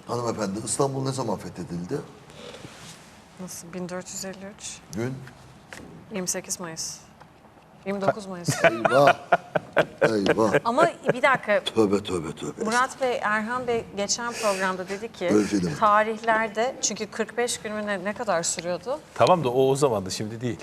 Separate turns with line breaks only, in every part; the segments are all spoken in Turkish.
Hanımefendi, İstanbul ne zaman fethedildi?
Nasıl? 1453.
Gün?
28 Mayıs. 29 Mayıs.
Eyvah. Eyvah.
Ama bir dakika.
Tövbe tövbe tövbe.
Murat Bey, Erhan Bey geçen programda dedi ki
Öyle şey demedim.
tarihlerde çünkü 45 gün mü ne kadar sürüyordu?
Tamam da o zamandı, şimdi değil.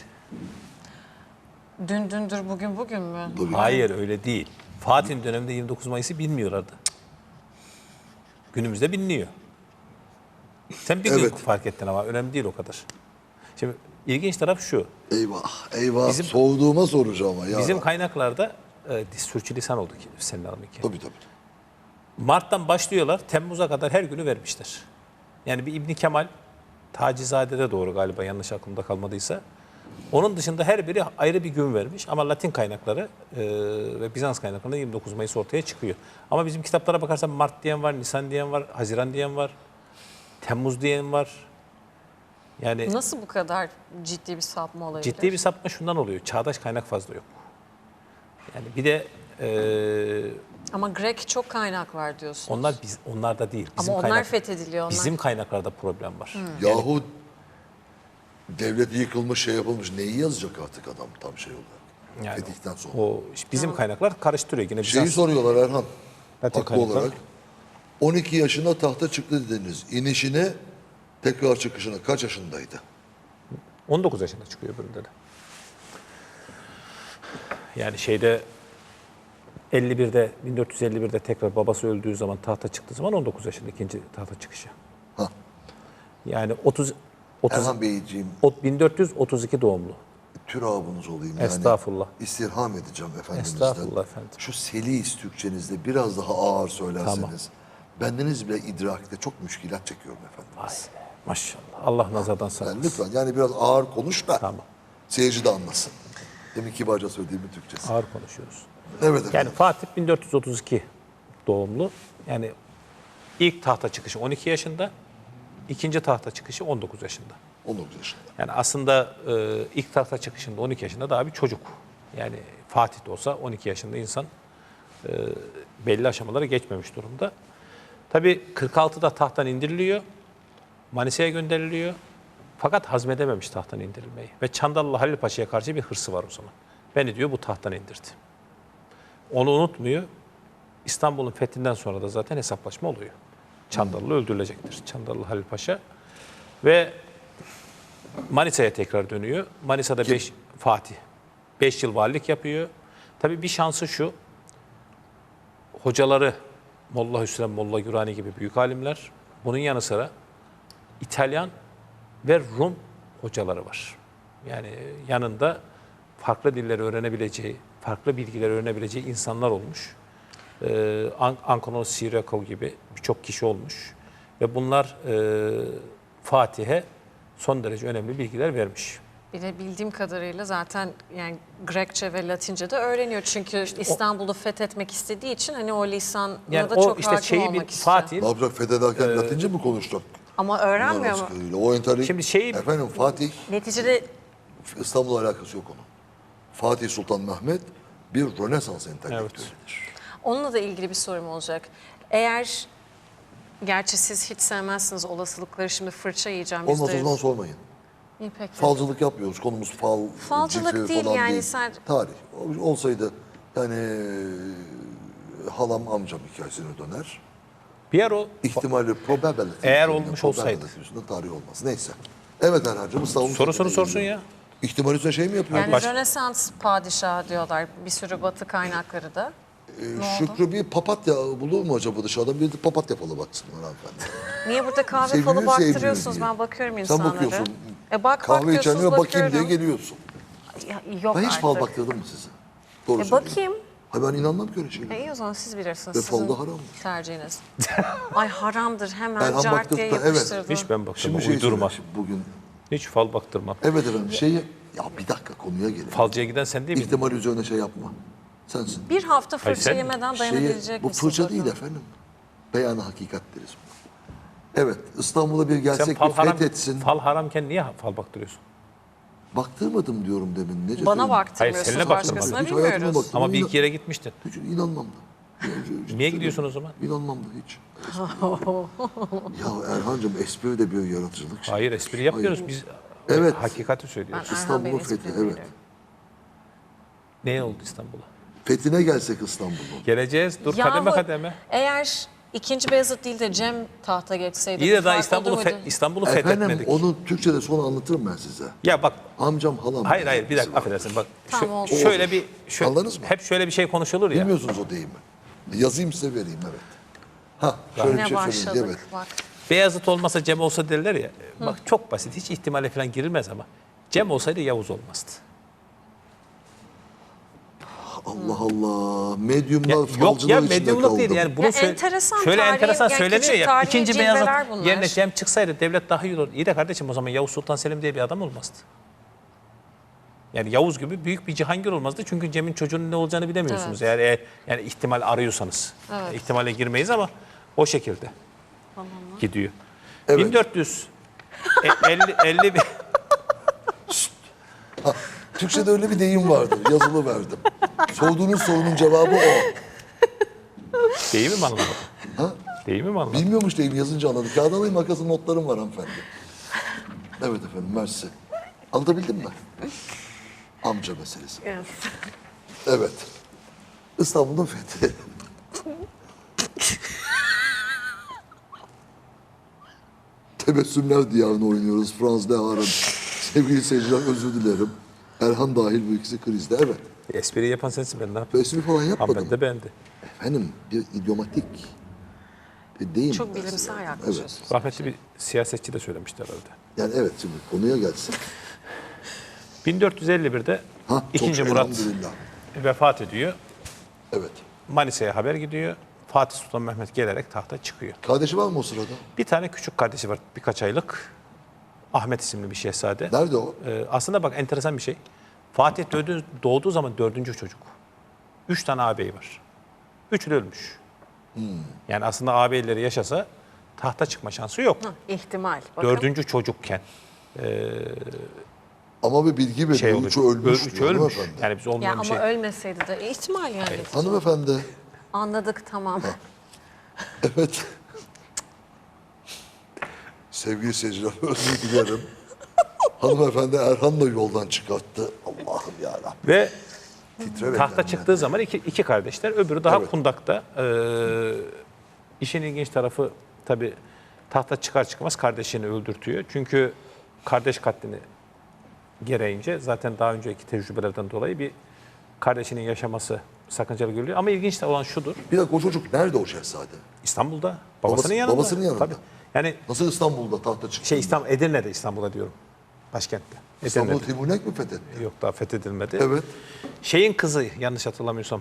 Dün dündür, bugün bugün mü?
Bugün.
Hayır, öyle değil. Fatih'in döneminde 29 Mayıs'ı bilmiyorlardı. Günümüzde biliniyor. Sen bir gün
Evet.
fark ettin ama önemli değil o kadar. Şimdi ilginç taraf şu.
Eyvah. Eyvah.
Bizim-
Soğuduğuma soracağım ama ya.
Bizim kaynaklarda sürçülisan oldu ki senin hanımınki.
Tabii tabii.
Mart'tan başlıyorlar, Temmuz'a kadar her günü vermişler. Yani bir İbni Kemal, Tacizade'de doğru galiba, yanlış aklımda kalmadıysa. Onun dışında her biri ayrı bir gün vermiş ama Latin kaynakları ve Bizans kaynaklarında 29 Mayıs ortaya çıkıyor. Ama bizim kitaplara bakarsan Mart diyen var, Nisan diyen var, Haziran diyen var, Temmuz diyen var. Yani
Nasıl bu kadar ciddi bir sapma olabilir?
ciddi bir sapma şundan oluyor, çağdaş kaynak fazla yok. Yani bir de
Ama Grek çok kaynak var diyorsunuz.
onlar da değil.
Ama onlar fethediliyor. Onlar.
Bizim kaynaklarda problem var.
Yahu devlet yıkılmış, şey yapılmış. Neyi yazacak artık adam tam şey olarak?
Yani
Fetihten sonra.
o bizim kaynaklar karıştırıyor yine.
Şeyi
Bizans,
soruyorlar Erhan.
Latin
Haklı
kaynaklar.
olarak. 12 yaşında tahta çıktı dediniz. İnişine, tekrar çıkışına kaç yaşındaydı?
19 yaşında çıkıyor öbüründe de. Yani şeyde 1451'de tekrar babası öldüğü zaman tahta çıktığı zaman 19 yaşında ikinci tahta çıkışı.
Hah.
Yani 30
Erhan Beyciğim,
1432 doğumlu.
türabınız olayım yani.
Estağfurullah.
İstirham edeceğim efendimizden.
Estağfurullah efendim.
Şu Selis Türkçenizde biraz daha ağır söylerseniz.
Tamam.
Bendeniz bile idrakte çok müşkilat çekiyorum efendimiz.
Maşallah. Allah nazardan
Yani
saklasın.
lütfen yani biraz ağır konuş da
Tamam.
seyirci de anlasın. Demin kibarca söylediğimin Türkçesi.
Ağır konuşuyoruz.
Evet efendim.
Yani Fatih 1432 doğumlu. Yani ilk tahta çıkışı 12 yaşında, ikinci tahta çıkışı 19 yaşında.
19 yaşında.
Yani aslında ilk tahta çıkışında 12 yaşında daha bir çocuk. Yani Fatih de olsa 12 yaşında insan belli aşamaları geçmemiş durumda. Tabii 46'da tahttan indiriliyor. Manisa'ya gönderiliyor. Fakat hazmedememiş tahttan indirilmeyi. Ve Çandarlı Halil Paşa'ya karşı bir hırsı var o zaman. Beni diyor bu tahttan indirdi. Onu unutmuyor. İstanbul'un fethinden sonra da zaten hesaplaşma oluyor. Çandarlı öldürülecektir. Çandarlı Halil Paşa. Ve Manisa'ya tekrar dönüyor. Manisa'da Fatih 5 yıl valilik yapıyor. Tabii bir şansı şu. Hocaları Molla Hüsrev, Molla Gürani gibi büyük alimler. Bunun yanı sıra İtalyan ve Rum hocaları var. Yani yanında farklı dilleri öğrenebileceği, farklı bilgileri öğrenebileceği insanlar olmuş. Ankonos Siriakov gibi birçok kişi olmuş. Ve bunlar Fatih'e son derece önemli bilgiler vermiş.
Bir de bildiğim kadarıyla zaten yani Grekçe ve Latince de öğreniyor. Çünkü İstanbul'u fethetmek istediği için hani o lisanla
Yani
da
o
çok
işte
hakim
şeyi
olmak istiyor.
Fatih'in
Ne yapacak fethederken Latince mi konuşacak?
Ama öğrenmiyor mu?
O entelektüel.
Şimdi şeyi-
Efendim Fatih,
Neticede
İstanbul'la alakası yok onun. Fatih Sultan Mehmet bir Rönesans entelektüelidir.
onunla da ilgili bir sorum olacak. Eğer, gerçi siz hiç sevmezsiniz olasılıkları, şimdi fırça yiyeceğim.
Olmaz o
%100.
zaman sormayın.
İyi, peki.
Falcılık yapmıyoruz. Konumuz fal,
Falcılık
cifri
değil
falan
yani
değil.
sen-
Tarih. Olsaydı yani halam amcam hikayesine döner.
bir yer o
İhtimali probability.
Eğer olmuş olsaydı.
Üstünde tarih olmaz. Neyse. Evet Erhan'cığım İstanbul'un
sorusunu
fethine
sorsun
geliyor.
ya.
İhtimal üzerine şey mi yapıyor?
Yani Rönesans padişahı diyorlar bir sürü batı kaynakları da.
Şükrü bir papatya bulur mu acaba dışarıdan? Bir de papatya falı baksınlar hanımefendi.
Niye burada kahve
Sevgili
falı
sevgili
baktırıyorsunuz?
diye.
Ben bakıyorum
Sen
insanlara.
bakıyorsun.
Bak
Kahve
diyorsunuz,
içenlere bakayım diye
bakıyorum.
geliyorsun.
Ya, yok
Ben hiç
artık.
fal baktırdım mı size? Doğru
Bakayım.
söyleyeyim. Ha ben inanmam ki öyle şeylere.
İyi o zaman siz bilirsiniz.
Ve
Sizin
falda haramdır.
tercihiniz. Ay haramdır, hemen
Erhan
cart diye
baktırdı, evet.
yapıştırdı.
Hiç ben baktırmam,
Şimdi şey
uydurma.
söyleyeyim, bugün.
Hiç fal baktırmam.
Evet efendim ya bir dakika konuya gelelim.
Falcıya giden sen değil miydin?
İhtimal üzerine şey yapma. Sensin.
Bir hafta
Hayır,
fırça
sen-
yemeden dayanabilecek
Bu
misiniz
fırça değil
bakalım?
efendim. Beyan-ı hakikat deriz buna. Evet İstanbul'a bir
Sen
gelsek
fal
bir
haram,
fethetsin.
fal haramken niye fal baktırıyorsun?
Baktırmadım diyorum demin. Nece
Bana
söyleyeyim?
baktırmıyorsunuz,
Hayır, seninle baktırmadım.
başkasına
Hiç hayatımda
bilmiyoruz.
baktım.
Ama bir iki yere gitmiştin.
Hiç inanmam da.
Niye gidiyorsun o zaman?
İnanmam da hiç. Ya Erhan'cığım espri de bir yaratıcılık. şey.
Hayır, espri yapmıyoruz.
Hayır.
Biz
Evet.
hakikati söylüyoruz.
Ben Erhan
İstanbul'un
Bey'in
fethi,
esprini
evet.
biliyorum.
Ne oldu İstanbul'a?
Fethine gelsek İstanbul'un.
Geleceğiz. Dur
Yahu,
kademe kademe.
Eğer 2. Beyazıt değil de Cem tahta geçseydi
İyi
bir
de daha
fark olur muydu?
İstanbul'u
Efendim
fethetmedik.
onu Türkçe'de sonra anlatırım ben size.
Ya bak,
Amcam halam.
hayır bir dakika affedersin bak.
Tamam, oldu.
Şöyle
Olur.
bir
Anladınız mı?
hep şöyle bir şey konuşulur ya.
Bilmiyorsunuz o deyimi. Yazayım size vereyim evet. Ha şöyle bir
Yine
şey
başladık
söyleyeyim evet.
bak.
Beyazıt olmasa Cem olsa derler ya. Bak çok basit, hiç ihtimale falan girilmez ama Cem olsaydı Yavuz olmazdı.
Allah Allah. Medyumlar
Yok
falcılar
ya,
içinde
medyumluk değil
kaldım.
yani. Bunu
Ya enteresan
şöyle
tarihi,
enteresan
yani
söyleniyor
küçük
ya.
tarihi
İkinci
cilveler
Beyazıt
bunlar.
yerine Cem çıksaydı devlet daha iyi olur. İyi de kardeşim o zaman Yavuz Sultan Selim diye bir adam olmazdı. Yani Yavuz gibi büyük bir Cihangir olmazdı. Çünkü Cem'in çocuğunun ne olacağını bilemiyorsunuz. Yani ihtimal arıyorsanız.
Evet.
İhtimale girmeyiz ama o şekilde gidiyor.
Evet.
1450 bir
Türkçe'de öyle bir deyim vardır. Yazılı verdim. Sorduğunuz sorunun cevabı o.
değil mi anlamadım?
Ha?
Değil mi anlamadım?
Bilmiyormuş deyim yazınca anladık. Kağıt alayım makasın notlarım var hanımefendi. Evet efendim mersi. Anlatabildim mi? Amca meselesi.
Yes.
Evet. İstanbul'un fethi. Tebessümler diyarını oynuyoruz. Franz Lehar'ın. Sevgili seyirciler özür dilerim. Erhan dahil bu ikisi krizde. Evet.
Espri yapan sensin, ben ne yapayım?
Espri falan yapmadım.
Hanımefendi de beğendi.
Efendim bir idiomatik bir deyim.
Çok
mesela.
bilimsel
Evet.
yaklaşıyorsunuz.
Rahmetli bir siyasetçi de söylemişti herhalde.
Yani evet şimdi konuya gelsin.
1451'de
Ha, çok
2. Murat
elhamdülillah.
vefat ediyor.
Evet.
Manisa'ya haber gidiyor. Fatih Sultan Mehmet gelerek tahta çıkıyor.
Kardeşi var mı o sırada?
Bir tane küçük kardeşi var birkaç aylık. Ahmet isimli bir şehzade.
Nerede o?
Aslında bak enteresan bir şey. Fatih doğduğu zaman 4. çocuk. 3 tane ağabey var. 3'ü de ölmüş. Yani aslında ağabeyleri yaşasa tahta çıkma şansı yok.
İhtimal. Bakın.
4. çocukken
Ama bir bilgi veriyor.
şey oluyor.
Üçü ölmüş.
Üçü
diyor
ölmüş.
hanımefendi.
Yani biz
Ya
olmayan
ama
bir şey.
ölmeseydi de ihtimal yani.
Hanımefendi.
Anladık tamam.
Evet. Sevgili seyirciler özür dilerim. Hanımefendi Erhan da yoldan çıkarttı. Allah'ım yarabbim.
Ve
Titre ve
tahta
kendine.
çıktığı zaman iki kardeşler, öbürü daha
Evet.
kundakta. İşin ilginç tarafı tabii tahta çıkar çıkmaz kardeşini öldürtüyor. Çünkü kardeş katlini gereğince zaten daha önceki tecrübelerden dolayı bir kardeşinin yaşaması sakıncalı görülüyor. Ama ilginç olan şudur.
Bir dakika o çocuk nerede o şehzade?
İstanbul'da babasının yanında.
babasının yanında.
Tabii. Yani
Nasıl İstanbul'da tahta çıktı?
Edirne'de, İstanbul'da diyorum. Başkentte.
İstanbul'u
Edirne'de.
Timurlenk mi fethetti?
Yok, daha fethedilmedi.
Evet.
Şeyin kızı yanlış hatırlamıyorsam.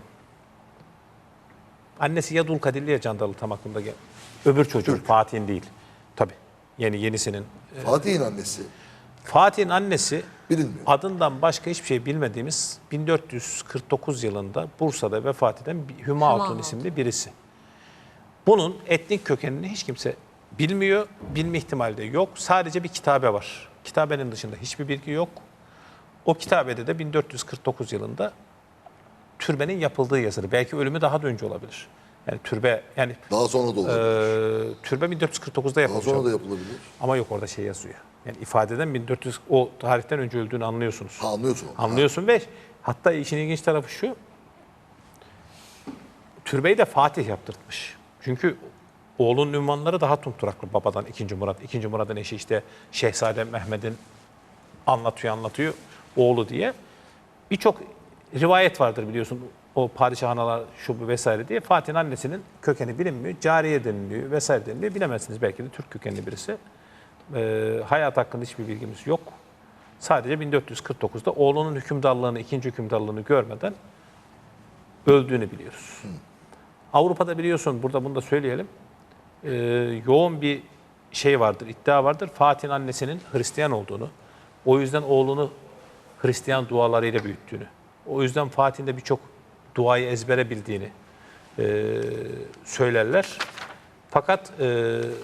Annesi ya Dulkadirli ya Candalı, tam aklımda gel. Öbür çocuğun, Fatih'in değil. Tabii. Yenisinin.
Fatih'in annesi.
Fatih'in annesi
Bilinmiyor.
adından başka hiçbir şey bilmediğimiz 1449 yılında Bursa'da vefat eden bir Hüma Hatun
Hatun.
isimli birisi. Bunun etnik kökenini hiç kimse bilmiyor, bilme ihtimali de yok. Sadece bir kitabe var. Kitabenin dışında hiçbir bilgi yok. O kitabede de 1449 yılında türbenin yapıldığı yazılı. Belki ölümü daha da önce olabilir. Yani türbe, yani
Daha sonra da olabilir.
türbe 1449'da
Daha
yapılmış.
sonra da yapılabilir.
Ama yok, orada şey yazıyor. Yani ifadeden 1400, o tarihten önce öldüğünü anlıyorsunuz.
Ha, anlıyorsun.
Anlıyorsun ve hatta işin ilginç tarafı şu. Türbeyi de Fatih yaptırtmış. Çünkü oğlunun ünvanları daha tumturaklı babadan 2. Murat. 2. Murat'ın eşi işte Şehzade Mehmet'in anlatıyor oğlu diye. Birçok rivayet vardır biliyorsun. O padişahanalar şu bu vesaire diye. Fatih'in annesinin kökeni bilinmiyor. Cariye deniliyor vesaire deniliyor. Bilemezsiniz, belki de Türk kökenli birisi. Hayat hakkında hiçbir bilgimiz yok. Sadece 1449'da oğlunun hükümdarlığını, 2. hükümdarlığını görmeden öldüğünü biliyoruz. Avrupa'da biliyorsun, burada bunu da söyleyelim. Yoğun bir şey vardır, iddia vardır. Fatih'in annesinin Hristiyan olduğunu, o yüzden oğlunu Hristiyan dualarıyla büyüttüğünü, o yüzden Fatih'in de birçok duayı ezbere bildiğini söylerler. Fakat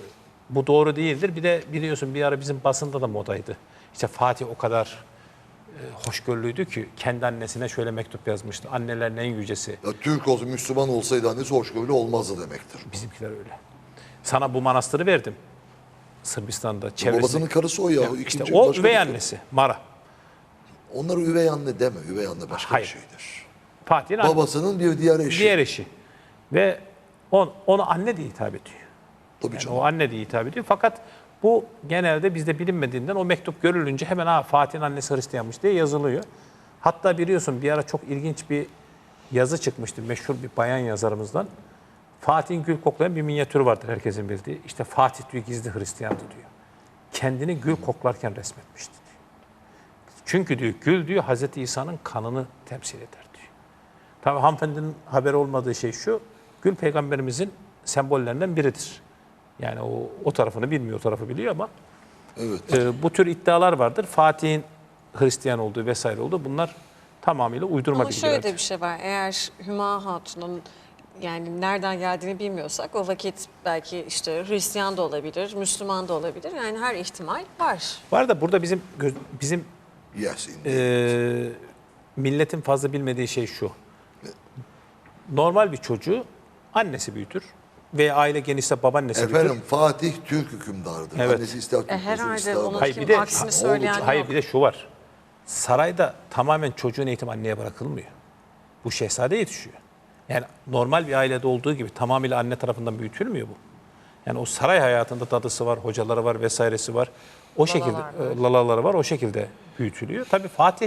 bu doğru değildir. Bir de biliyorsun bir ara bizim basında da modaydı. İşte Fatih o kadar hoşgörülüydü ki kendi annesine şöyle mektup yazmıştı. Annelerin en yücesi.
Ya Türk olsa, Müslüman olsaydı annesi hoşgörülü olmazdı demektir.
Bizimkiler öyle. Sana bu manastırı verdim. Sırbistan'da çevresinde.
Babasının karısı o ya.
İşte
İkinci,
o
başka
üvey
bir-
annesi Mara.
Onlara üvey anne deme. Üvey anne başka
Hayır.
bir şeydir.
Fatih'in annesi.
Babasının bir diğer eşi.
Diğer eşi. Ve onu anne diye hitap ediyor.
Tabii
Yani
canım.
o anne diye hitap ediyor. Fakat bu genelde bizde bilinmediğinden o mektup görülünce hemen Fatih'in annesi Hristiyanmış diye yazılıyor. Hatta biliyorsun bir ara çok ilginç bir yazı çıkmıştı meşhur bir bayan yazarımızdan. Fatih'in gül koklayan bir minyatürü vardır herkesin bildiği. İşte Fatih diyor gizli Hristiyandı diyor. Kendini gül koklarken resmetmişti diyor. Çünkü diyor gül diyor Hazreti İsa'nın kanını temsil eder diyor. Tabii hanımefendinin haberi olmadığı şey şu. Gül peygamberimizin sembollerinden biridir. Yani o tarafını bilmiyor, o tarafı biliyor ama
Evet.
bu tür iddialar vardır. Fatih'in Hristiyan olduğu vesaire olduğu bunlar tamamıyla uydurma
Ama şöyle
bilgilerdir.
de bir şey var. Eğer Hüma Hatun'un yani nereden geldiğini bilmiyorsak o vakit belki işte Hristiyan da olabilir, Müslüman da olabilir. Yani her ihtimal var.
Var da burada bizim
Yes. indeed.
milletin fazla bilmediği şey şu. Normal bir çocuğu annesi büyütür veya aile genişse babaannesi büyütür.
Efendim Fatih Türk hükümdardır.
Evet.
Annesi ister Türk olsun,
Herhalde
ister
onun
başka.
Hayır, bir de-
aksini söyleyen
Hayır
yok.
bir de şu var. Sarayda tamamen çocuğun eğitim anneye bırakılmıyor. Bu şehzade yetişiyor. Yani normal bir ailede olduğu gibi tamamıyla anne tarafından büyütülmüyor bu. Yani o saray hayatında dadısı var, hocaları var vesairesi var. O şekilde lalaları var, o şekilde büyütülüyor. Tabii Fatih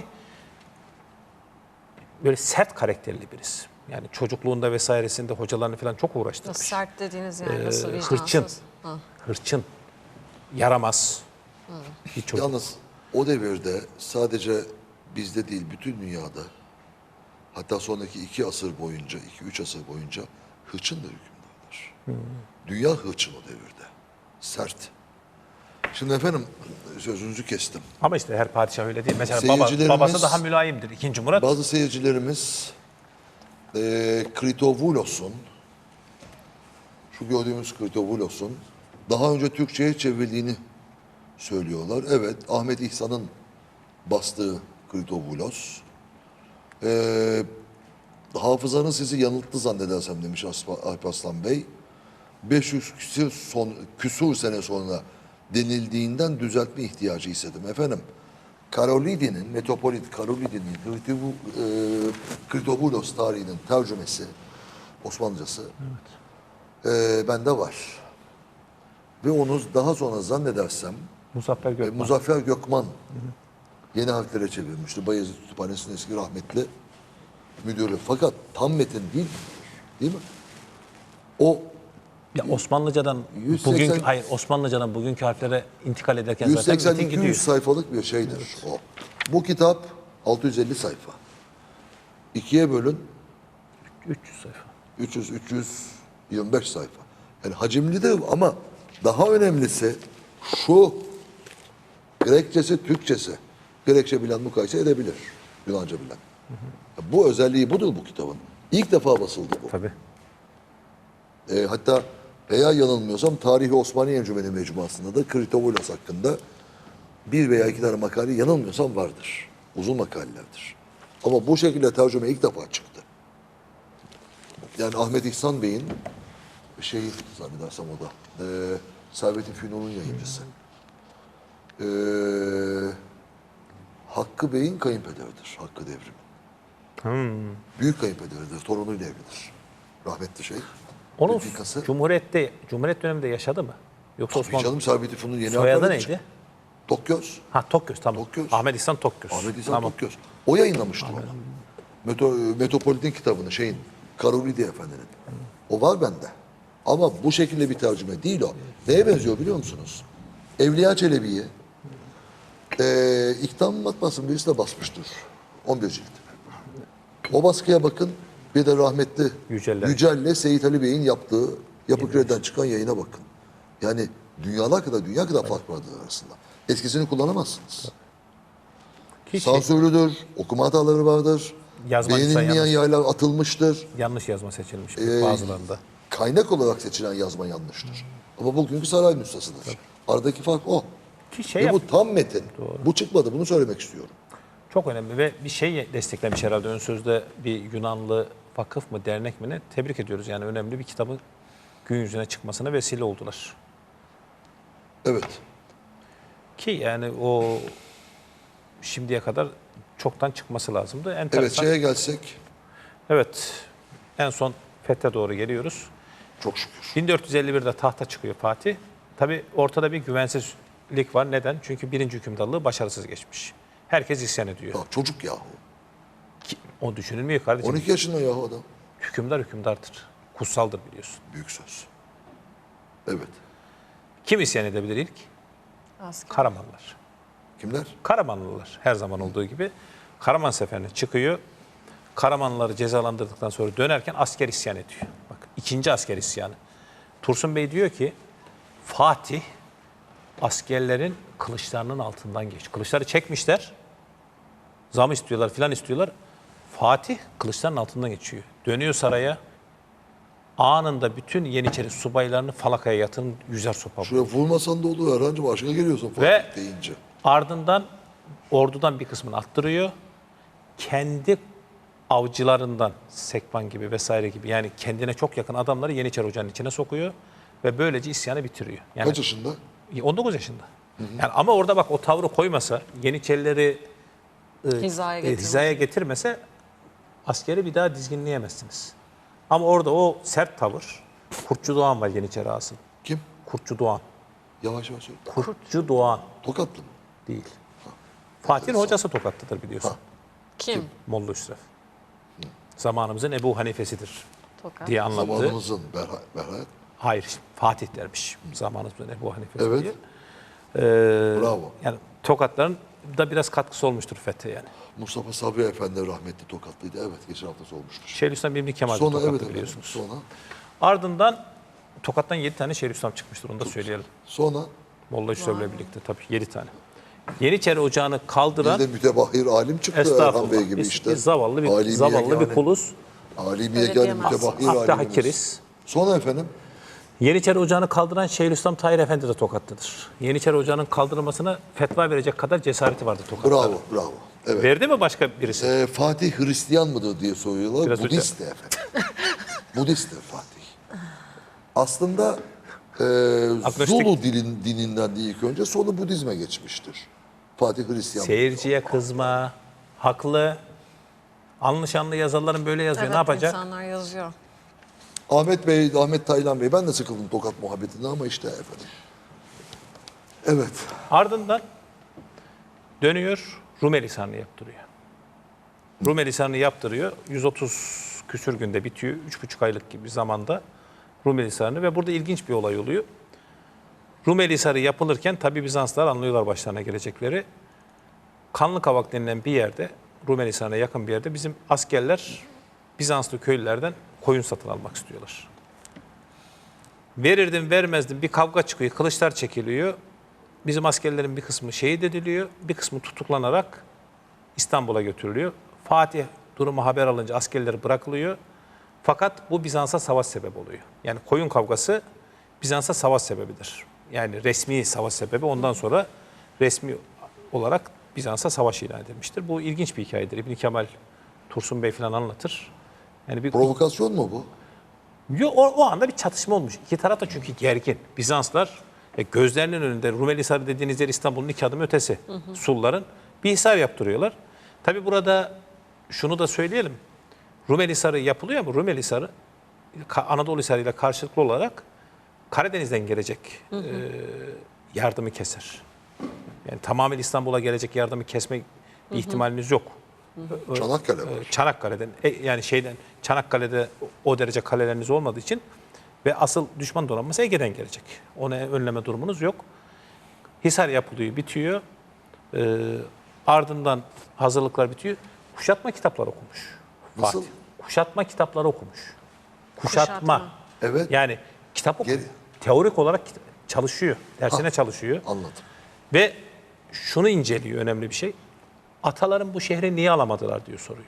böyle sert karakterli birisi. Yani çocukluğunda vesairesinde hocalarını falan çok uğraştırmış.
Nasıl sert dediğiniz yani nasıl vicdansız?
Hırçın.
Ha.
Hırçın. Yaramaz. Bir çocuk.
Yalnız o devirde sadece bizde değil bütün dünyada hatta sonraki 2 asır boyunca, 2-3 asır boyunca hırçın da hükümdardır. Dünya hırçın o devirde. Sert. Şimdi efendim sözünüzü kestim.
Ama işte her padişah öyle değil. Mesela
Seyircilerimiz-
babası daha mülayimdir. İkinci Murat.
Bazı seyircilerimiz Kritovoulos'un şu gördüğümüz Kritovoulos'un daha önce Türkçe'ye çevrildiğini söylüyorlar. Evet, Ahmet İhsan'ın bastığı Kritovoulos. Hafızanız sizi yanılttı zannedersem demiş Alp Aslan Bey. 500 küsur sene sonra denildiğinden düzeltme ihtiyacı hissettim. Efendim, Karolidi'nin, Metropolit Karolidi'nin Kritovoulos tarihinin tercümesi, Osmanlıcası bende var. Ve onu daha sonra zannedersem
Muzaffer Gökmen.
Muzaffer Gökman yeni harflere çevirmişti. Bayezid Kütüphanesi'nin eski rahmetli müdürü. Fakat tam metin değil mi? O
Ya Osmanlıcadan
180
Osmanlıcadan bugünkü harflere intikal ederken zaten metin
180-200
gidiyor.
sayfalık bir şeydir o. Bu kitap 650 sayfa. İkiye bölün
300 sayfa.
325 sayfa. Yani hacimli de ama daha önemlisi şu Grekçesi, Türkçesi. Grekçe bilen mukayese edebilir. Yunanca bilen. Bu özelliği budur bu kitabın. İlk defa basıldı bu.
Tabii.
Hatta veya yanılmıyorsam Tarihi Osmaniye Encümeni Mecmuası'nda da Kritovoulos hakkında 1 veya 2 tane makale yanılmıyorsam vardır. Uzun makalelerdir. Ama bu şekilde tercüme ilk defa çıktı. Yani Ahmet İhsan Bey'in şeyi zannedersem o da Servet-i Fünun'un yayıncısı. Hakkı Bey'in kayınpederidir. Hakkı Devrim'in. Büyük kayınpederidir. Torunuyla evlidir. Rahmetli şey.
Onun
Replikası.
Cumhuriyet döneminde yaşadı mı? Yoksa
Tabii
Osmanlı
canım Servet-i Fünun yeni
soyadı
harfleri
neydi?
çıktı. Tokgöz.
Ha Tokgöz tamam.
Tokgöz.
Ahmet İhsan Tokgöz.
Ahmet İhsan
Tamam.
Tokgöz. O yayınlamıştı onu. Metropolit'in kitabını şeyin Karolidi Efendi'nin. O var bende. Ama bu şekilde bir tercüme değil o. Neye benziyor biliyor musunuz? Evliya Çelebi'yi İktam matbaasının birisi de basmıştır. 11 cilt. O baskıya bakın. Bir de rahmetli
Yücel'le.
Yücel'le Seyit Ali Bey'in yaptığı Yapı Kredi'den çıkan yayına bakın. Yani dünya kadar fark vardır arasında. Eskisini kullanamazsınız.
Ki
Sansürlüdür, okuma hataları vardır.
Yazma
Beğenilmeyen
yanlış.
yerler atılmıştır.
yanlış yazma seçilmiş
Ee,
bazılarında.
Kaynak olarak seçilen yazma yanlıştır. Ama bugünkü saray nüshasıdır. Aradaki fark o.
Ki şey
Ve
yap-
bu tam metin. Bu çıkmadı, bunu söylemek istiyorum.
Çok önemli ve bir şey desteklemiş herhalde ön sözde bir Yunanlı vakıf mı dernek mi ne, tebrik ediyoruz. Yani önemli bir kitabın gün yüzüne çıkmasına vesile oldular.
Evet.
Ki yani o şimdiye kadar çoktan çıkması lazımdı.
Evet,
Enteresan.
şeye gelsek
Evet. En son fethe doğru geliyoruz.
çok şükür.
1451'de tahta çıkıyor Fatih. Tabii ortada bir güvensizlik var. Neden? Çünkü birinci hükümdarlığı başarısız geçmiş. Herkes isyan ediyor.
Ya çocuk yahu.
O düşünülmüyor kardeşim.
12 yaşında yahu adam.
Hükümdar hükümdardır. Kutsaldır biliyorsun.
Büyük söz. Evet.
Kim isyan edebilir ilk?
Asker.
Karamanlılar.
Kimler?
Karamanlılar her zaman olduğu gibi. Karaman seferine çıkıyor. Karamanlıları cezalandırdıktan sonra dönerken asker isyan ediyor. Bak ikinci asker isyanı. Tursun Bey diyor ki Fatih askerlerin kılıçlarının altından geç. Kılıçları çekmişler. Zam istiyorlar filan istiyorlar. Fatih kılıçların altından geçiyor. Dönüyor saraya. Anında bütün Yeniçeri subaylarını falakaya yatırın yüzer sopa.
Şuraya vurmasan da olur. Herhangi başına geliyorsun
Ve-
Fatih deyince.
Ardından ordudan bir kısmını attırıyor. Kendi avcılarından Sekban gibi vesaire gibi yani kendine çok yakın adamları Yeniçeri Ocağı'nın içine sokuyor ve böylece isyanı bitiriyor. Yani
Kaç yaşında?
19 yaşında. Yani ama orada bak o tavrı koymasa, Yeniçerileri hizaya getirmese askeri bir daha dizginleyemezsiniz. Ama orada o sert tavır, Kurtçu Doğan var Yeniçeri asıl.
Kim?
Kurtçu Doğan.
Yavaş yavaş söyle.
Kurtçu Doğan
Tokatlı mı?
değil. Fatih'in hocası Tokatlı'dır biliyorsun.
Kim?
Molla Üsref. Zamanımızın Ebu Hanifesidir
Tokat.
diye anlattı.
Zamanımızın Berhayat.
Hayır, Fatih dermiş. Zamanımızın Ebu Hanifesi
Evet.
diye.
Bravo.
Yani Tokatların da biraz katkısı olmuştur fethe yani.
Mustafa Sabri Efendi rahmetli Tokatlıydı. Evet, geçen hafta sormuştur.
Şeyhülislam İbni Kemal de
Sonra
Tokatlı
evet efendim.
biliyorsunuz.
Sonra
Ardından Tokat'tan 7 tane Şeyhülislam çıkmıştır onu da söyleyelim.
sonra
Molla Üsref'le birlikte tabii 7 tane. Yeniçeri Ocağı'nı kaldıran
bir de mütebahhir alim çıktı Erhan Bey gibi
biz,
işte.
biz zavallı bir
Alimiye
zavallı bir
yani.
kuluz.
Alimiye
Öyle
yani
diyemez.
mütebahhir
Abdü
alimimiz.
Hakiriz.
Sonra efendim
Yeniçeri Ocağı'nı kaldıran Şeyhülislam Tahir Efendi de Tokatlıdır. Yeniçeri Ocağı'nın kaldırılmasına fetva verecek kadar cesareti vardı Tokat'ta.
bravo bravo. Evet.
Verdi mi başka birisi?
Fatih Hristiyan mıdır diye soruyorlar.
Biraz
Budist de efendim. Budist'tir Fatih. Aslında
Agnostik.
Zulu dininden de ilk önce sonra Budizme geçmiştir. Fatih Hristiyan.
Seyirciye kızma, haklı. Anlı şanlı yazarların böyle yazıyor.
Evet,
Ne yapacak?
insanlar yazıyor.
Ahmet Bey, Ahmet Taylan Bey, ben de sıkıldım Tokat muhabbetinden ama işte efendim. Evet.
Ardından dönüyor Rumeli Hisarı'nı yaptırıyor. Rumeli Hisarı'nı yaptırıyor. 130 küsür günde bitiyor. 3,5 aylık gibi bir zamanda Rumeli Hisarı'nı ve burada ilginç bir olay oluyor. Rumeli Hisarı yapılırken tabi Bizanslılar anlıyorlar başlarına gelecekleri. Kanlıkavak denilen bir yerde, Rumeli Hisarı'na yakın bir yerde bizim askerler Bizanslı köylülerden koyun satın almak istiyorlar. Verirdim vermezdim bir kavga çıkıyor, kılıçlar çekiliyor. Bizim askerlerin bir kısmı şehit ediliyor, bir kısmı tutuklanarak İstanbul'a götürülüyor. Fatih durumu haber alınca askerleri bırakılıyor. Fakat bu Bizans'a savaş sebebi oluyor. Yani koyun kavgası Bizans'a savaş sebebidir. Yani resmi savaş sebebi ondan sonra resmi olarak Bizans'a savaş ilan edilmiştir. Bu ilginç bir hikayedir. İbn Kemal, Tursun Bey falan anlatır. Yani bir
Provokasyon mu bu?
o anda bir çatışma olmuş. İki taraf da çünkü gergin. Bizanslar gözlerinin önünde Rumeli Hisarı dediğiniz yer İstanbul'un 2 adım ötesi. Sulların bir hisar yaptırıyorlar. Tabi burada şunu da söyleyelim. Rumeli Hisarı yapılıyor ama Rumeli Hisarı Anadolu Hisarı ile karşılıklı olarak Karadeniz'den gelecek yardımı keser. Yani tamamen İstanbul'a gelecek yardımı kesme bir ihtimaliniz yok.
Çanakkale var.
Çanakkale'den yani Çanakkale'de o derece kaleleriniz olmadığı için ve asıl düşman donanması Ege'den gelecek. Onu önleme durumunuz yok. Hisar yapılıyor, bitiyor. Ardından hazırlıklar bitiyor. Kuşatma kitapları okumuş.
Nasıl?
Fatih. Kuşatma kitapları okumuş. Kuşatma.
Evet.
Yani kitap okuyor.
Geri-
Teorik olarak çalışıyor. Dersine çalışıyor.
Anladım.
Ve şunu inceliyor önemli bir şey. Ataların bu şehri niye alamadılar diyor soruyor.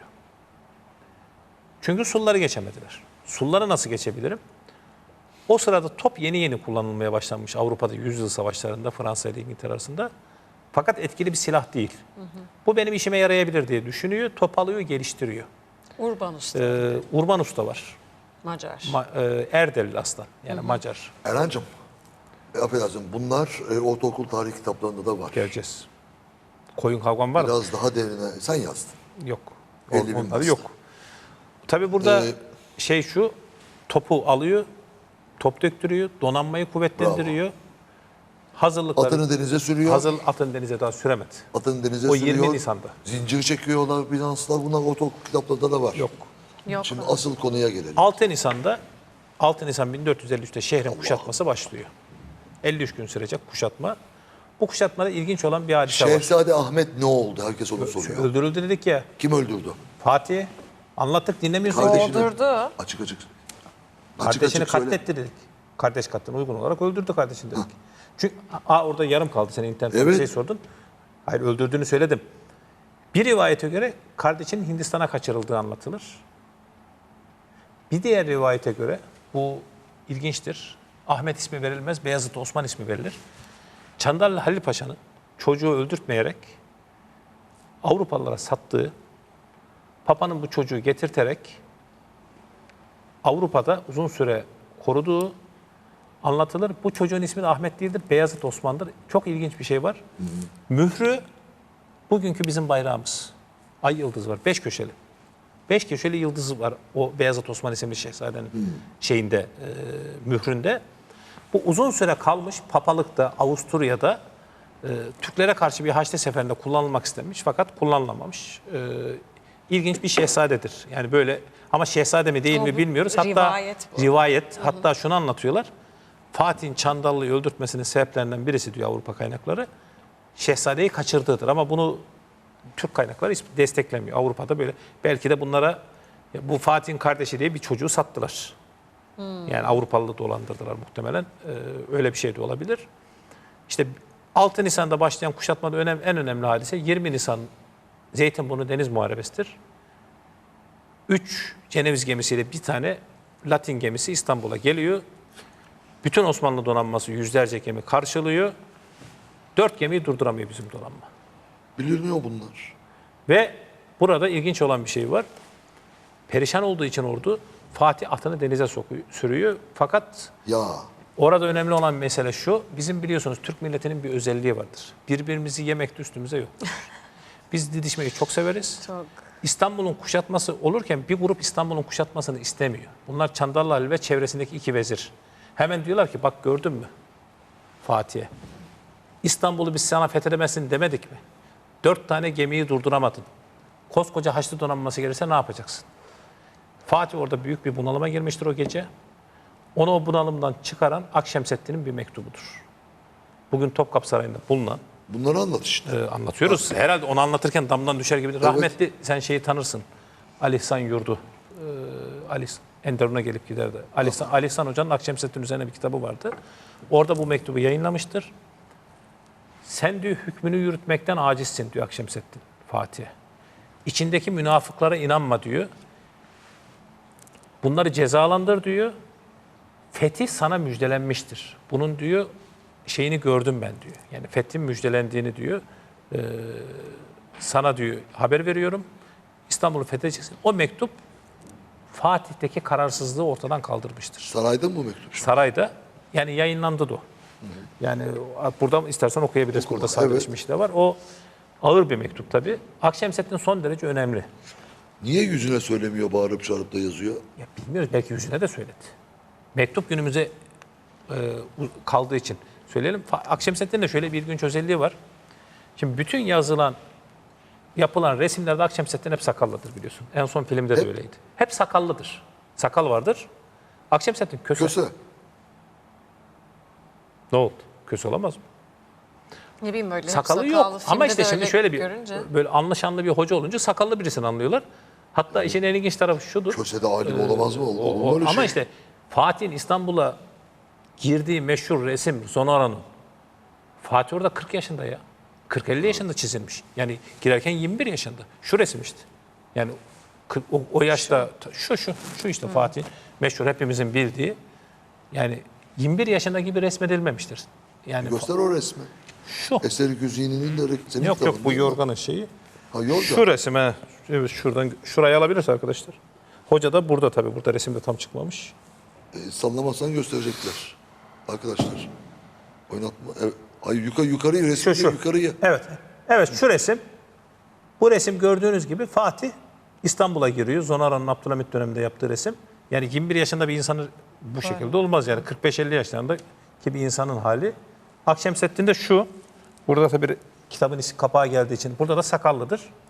Çünkü Sulları geçemediler. Sulları nasıl geçebilirim? O sırada top yeni yeni kullanılmaya başlanmış Avrupa'da yüzyıl savaşlarında Fransa ile İngiltere arasında. Fakat etkili bir silah değil. Bu benim işime yarayabilir diye düşünüyor, topalıyor, geliştiriyor.
Urban Usta,
Urban Usta var.
Macar.
Erdelli aslan, yani Macar.
Erhan'cığım, affedersin, bunlar ortaokul tarih kitaplarında da var.
Geleceğiz. Koyun kavgam var mı?
Biraz daha derine, sen yazdın.
Yok.
50.000
Onları
bastı.
yok. Tabii burada şey şu, topu alıyor, top döktürüyor, donanmayı kuvvetlendiriyor. Hazırlıkları...
Atını denize sürüyor.
Atını denize daha süremedi.
Atını denize
O
sürüyor.
20 Nisan'da.
Zincir çekiyorlar Bizanslılar. Bunlar ortaokul kitaplarında da var.
Yok.
Yok.
Şimdi asıl konuya gelelim.
6 Nisan 1453'te şehrin kuşatması başlıyor. 53 gün sürecek kuşatma. Bu kuşatmada ilginç olan bir hadise var.
Şehzade Ahmet ne oldu? Herkes onu soruyor.
Öldürüldü dedik ya.
Kim öldürdü?
Fatih. Anlattık, dinlemiyorsun.
Kardeşini-
Doldurdu.
Açık açık.
Kardeşini
söyle.
katletti dedik. Kardeş katlına uygun olarak öldürdü kardeşini dedik. Çünkü orada yarım kaldı, sen internetten bir
Evet.
şey sordun. Hayır, öldürdüğünü söyledim. Bir rivayete göre kardeşinin Hindistan'a kaçırıldığı anlatılır. Bir diğer rivayete göre, bu ilginçtir, Ahmet ismi verilmez, Beyazıt Osman ismi verilir. Çandarlı Halil Paşa'nın çocuğu öldürtmeyerek Avrupalılara sattığı, Papa'nın bu çocuğu getirterek Avrupa'da uzun süre koruduğu anlatılır. Bu çocuğun ismi de Ahmet değildir, Beyazıt Osman'dır. Çok ilginç bir şey var. Mührü bugünkü bizim bayrağımız. Ay yıldızı var, 5 köşeli. 5 köşeli yıldızı var o Beyazıt Osman isimli şehzadenin şeyinde, mühründe. Bu uzun süre kalmış papalıkta, Avusturya'da Türklere karşı bir Haçlı seferinde kullanılmak istenmiş fakat kullanılamamış. İlginç bir şehzadedir. Yani böyle, ama şehzade mi değil
Ama
mi
bu
bilmiyoruz. Hatta
rivayet bu.
rivayet, hatta şunu anlatıyorlar. Fatih'in Çandarlı'yı öldürtmesinin sebeplerinden birisi diyor Avrupa kaynakları, şehzadeyi kaçırdığıdır. Ama bunu Türk kaynakları hiç desteklemiyor. Avrupa'da böyle. Belki de bunlara bu Fatih'in kardeşi diye bir çocuğu sattılar. Yani Avrupalı dolandırdılar muhtemelen. Öyle bir şey de olabilir. İşte 6 Nisan'da başlayan kuşatmada en önemli hadise 20 Nisan Zeytinburnu Deniz Muharebesi'dir. 3 Ceneviz gemisiyle bir tane Latin gemisi İstanbul'a geliyor. Bütün Osmanlı donanması yüzlerce gemi karşılıyor. 4 gemiyi durduramıyor bizim donanma.
Bilinmiyor bunlar.
Ve burada ilginç olan bir şey var. Perişan olduğu için ordu Fatih atını denize sürüyor. Fakat
Ya
orada önemli olan mesele şu. Bizim biliyorsunuz Türk milletinin bir özelliği vardır. Birbirimizi yemekte üstümüze yok. Biz didişmeyi çok severiz.
Çok.
İstanbul'un kuşatması olurken bir grup İstanbul'un kuşatmasını istemiyor. Bunlar Çandarlı Ali ve çevresindeki 2 vezir. Hemen diyorlar ki bak gördün mü Fatih'e? İstanbul'u biz sana fethedemezsin demedik mi? 4 tane gemiyi durduramadın. Koskoca Haçlı donanması gelirse ne yapacaksın? Fatih orada büyük bir bunalıma girmiştir o gece. Onu o bunalımdan çıkaran Akşemseddin'in bir mektubudur. Bugün Topkapı Sarayı'nda bulunan,
bunları anlat işte.
anlatıyoruz. Herhalde onu anlatırken damdan düşer gibi. Rahmetli, sen şeyi tanırsın. Ali İhsan Yurdu. Ali Enderun'a gelip giderdi. Ali İhsan Hoca'nın Akşemseddin üzerine bir kitabı vardı. Orada bu mektubu yayınlamıştır. Sen diyor hükmünü yürütmekten acizsin diyor Akşemseddin Fatih'e. İçindeki münafıklara inanma diyor. Bunları cezalandır diyor. Fetih sana müjdelenmiştir. Bunun diyor şeyini gördüm ben diyor. Yani fethin müjdelendiğini diyor. Sana diyor haber veriyorum. İstanbul'u fethedeceksin. O mektup Fatih'teki kararsızlığı ortadan kaldırmıştır.
Sarayda mı bu mektup?
Sarayda, yani yayınlandı da o. Yani buradan istersen okuyabiliriz. Burada sadeleşmiş de var. O ağır bir mektup tabii. Akşemseddin son derece önemli.
Niye yüzüne söylemiyor, bağırıp çağırıp da yazıyor?
Ya bilmiyoruz, belki yüzüne de söyledi. Mektup günümüze kaldığı için söyleyelim. Akşemseddin'in de şöyle bir ilginç özelliği var. Şimdi bütün yapılan resimlerde Akşemseddin hep sakallıdır biliyorsun. En son filmde de öyleydi. Hep sakallıdır. Sakal vardır. Akşemseddin köse.
Köse.
Ne oldu? Köse olamaz mı?
Ne bileyim böyle.
Sakalı
sakallı
yok. Ama
filmde
işte
de
şimdi
öyle
şöyle bir
görünce.
böyle anlaşanlı bir hoca olunca sakallı birisini anlıyorlar. Hatta işin en ilginç tarafı şudur.
Köse de alim olamaz mı? Olur mu öyle
Ama
şey?
işte Fatih'in İstanbul'a girdiği meşhur resim Zonora'nın. Fatih orada 40 yaşında ya. 40-50 yaşında çizilmiş. Yani girerken 21 yaşında. Şu resim işte. Yani o yaşta şu işte Fatih meşhur hepimizin bildiği. Yani 21 yaşında gibi resmedilmemiştir. Yani
Göster o resmi.
Şu.
Eser-i Güzini'nin de senin
Yok
kitabın
bu
değil mi?
yorganın şeyi.
Ha, yorgan.
Şu resime, evet, şuradan şurayı alabilirse arkadaşlar. Hoca da burada tabii. Burada resimde tam çıkmamış.
Sallamazsan gösterecekler. Arkadaşlar. Oynatma. Evet. Ay yukarıyı
Şu
resmi
şu.
yukarıya.
Evet. Evet şu resim. Bu resim gördüğünüz gibi Fatih İstanbul'a giriyor. Zonaran'ın Abdülhamit döneminde yaptığı resim. Yani 21 yaşında bir insanın bu şekilde olmaz yani. 45-50 yaşlarındaki bir insanın hali. Akşemseddin de şu. Burada tabii kitabın kapağı geldiği için. Burada da sakallıdır.